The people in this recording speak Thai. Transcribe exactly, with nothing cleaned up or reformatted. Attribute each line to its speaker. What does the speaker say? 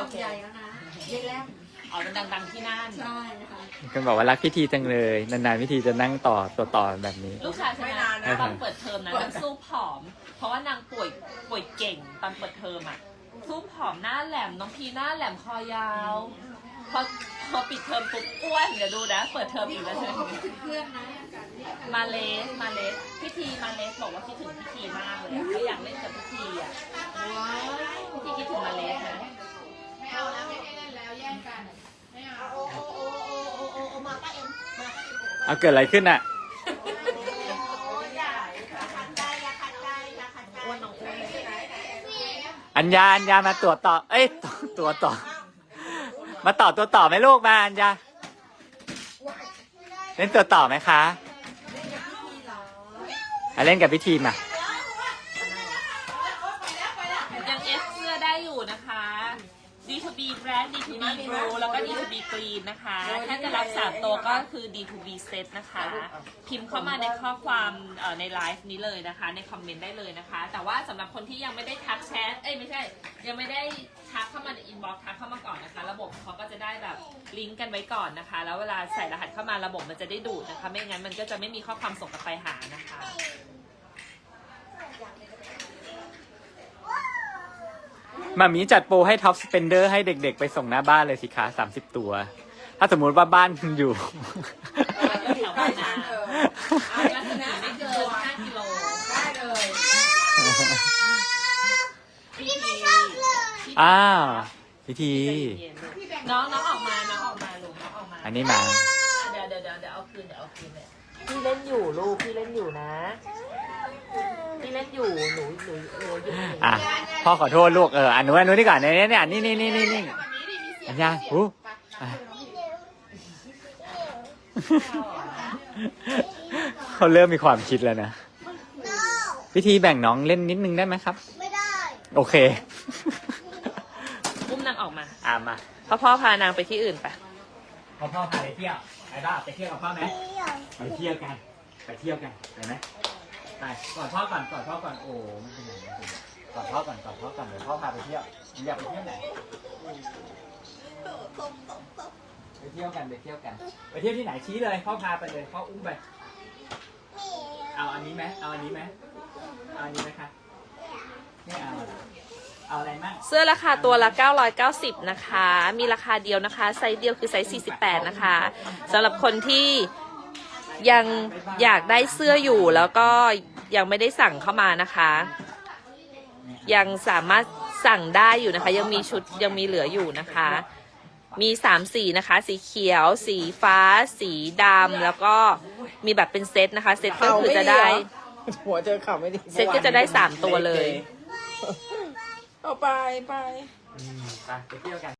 Speaker 1: ำใหญ่แล้วนะเย็นแล้ว
Speaker 2: อ๋อมันดังๆที่นั่น
Speaker 1: ใช่ค่ะ
Speaker 3: คุณบอกว่ารักพิธีจังเลยนานๆพิธีจะนั่งต่อตัวต่อแบบนี้
Speaker 2: ลูกชายใช่ไหมตอนเปิดเทอมนะนางสู้ผอม เพราะว่านางป่วยป่วยเก่งตอนเปิดเทอมอ่ะสู้ผอมหน้าแหลมน้องพีหน้าแหลมคอยาวพอพอปิดเทอมปุ๊บอ้วนเดี๋ยวดูนะเปิดเทอมอีกแล้วใช่ไหม
Speaker 1: เพื่อนนะ
Speaker 2: มาเลสมาเลสพิธีมาเลสบอกว่าคิดถึงพิธีมากเลยเขาอยากเล่นกับพิธีอ่ะพิธีคิดถึงมาเลสนะ
Speaker 1: ไม่เอาแล้วไม่เล่นแล้วแย่งกันไม่เอาโอ้โอ้โอ้โอ้โอ้โอ้มาป้าเอ็มมา
Speaker 3: เอาเกิดอะไรขึ้นอ่ะอัญญาอัญญามาตัวต่อเอ้ยตัวต่อมาต่อตัวต่อไหมลูกมาอัญญาเล่นตัวต่อไหมคะเล่นกับพิธีมา
Speaker 2: ยังเอฟเสื้อได้อยู่นะคะ ดี ทู บี Brand ดี ทู บี Blue แล้วก็ ดี ทู บี Green นะคะถ้าจะรับสามตัวก็คือ ดี ทู บี Set นะคะพิมพ์เข้ามาในข้อความในไลฟ์นี้เลยนะคะในคอมเมนต์ได้เลยนะคะแต่ว่าสำหรับคนที่ยังไม่ได้ทักแชทเอ้ยไม่ใช่ยังไม่ได้ทักเข้ามาในอินบ็อกซ์ทักเข้ามาก่อนนะคะระบบเขาก็จะได้แบบลิงก์กันไว้ก่อนนะคะแล้วเวลาใส่รหัสเข้ามาระบบมันจะได้ดูดนะคะไม่งั้นมันก็จะไม่มีข้อความส่งกลับไปหานะคะ
Speaker 3: มามีจัดโปรให้ท็อปสเปนเดอร์ให้เด็กๆไปส่งหน้าบ้านเลยสิคะสามสิบตัวถ้าสมมุติว่าบ้านอยู่
Speaker 2: แถวบ้านนะลักษณะไม่เกินห้ากิโลได้เลยพิธี
Speaker 3: อ้าวพิธี
Speaker 2: น้องน้องออกมาน้องออกมาลูกน้องออกมา
Speaker 3: อันนี้มา
Speaker 2: เดี๋ยวเดี๋ยวเดี๋ยวเดี๋ยวเอาคืนเดี๋ยวเอาคืนเลยพี่เล่นอยู่ลูกพี่เล่นอยู่นะพี่เล่นอยู่หนูหนูเอออยู่
Speaker 3: อ่ะพ่อขอโทษลูกเอออันนู้นอันนู้นนี่ก่อนเนี่ยเนี่ยนี่นี่นี่นี่นี่อันยาอู้เขาเริ่มมีความคิดแล้วนะพิธีแบ่งน้องเล่นนิดนึงได้ไหมครับไม่ได้โอเค
Speaker 2: อุ้มนางออกมา
Speaker 3: อ่ามา
Speaker 2: พ่อพ่อพานางไปที่อื่นไป
Speaker 3: พ่อพ่อพาไปเที่ยวไปบ้าไปเที่ยวกับพ่อไหมไปเที่ยวกันไปเที่ยวกันไปไหมไปก่อนพ่อก่อนก่อนพ่อก่อนโอ้ไม่เป็นไรก่อนพ่อก่อนก่อนพ่อก่อนเดี๋ยวพ่อพาไปเที่ยวอยากไปเที่ยวไหนไปเที่ยวกันไปเที่ยวกันไปเที่ยวที่ไหนชี้เลยพ่อพาไปเลยพ่ออุ้มไปเอาอันนี้ไหมเอาอันนี้ไหมเอาอันนี้ไหมคะไม่เอาเอาอะไรมั่ง
Speaker 2: เสื้อราคาตัวละเก้าร้อยเก้าสิบนะคะมีราคาเดียวนะคะไซส์เดียวคือไซส์สี่สิบแปดนะคะสำหรับคนที่ยังอยากได้เสื้ออยู่แล้วก็ยังไม่ได้สั่งเข้ามานะคะยังสามารถสั่งได้อยู่นะคะยังมีชุดยังมีเหลืออยู่นะคะมีสามสีนะคะสีเขียวสีฟ้าสีดำแล้วก็มีแบบเป็นเซตนะคะเซตก็คือจะได้
Speaker 4: หัวเจอข่าวไม่ดี
Speaker 2: เซตก็จะได้สามตัวเลย
Speaker 4: เอาไปไป
Speaker 3: ไปไปเที่ยวกัน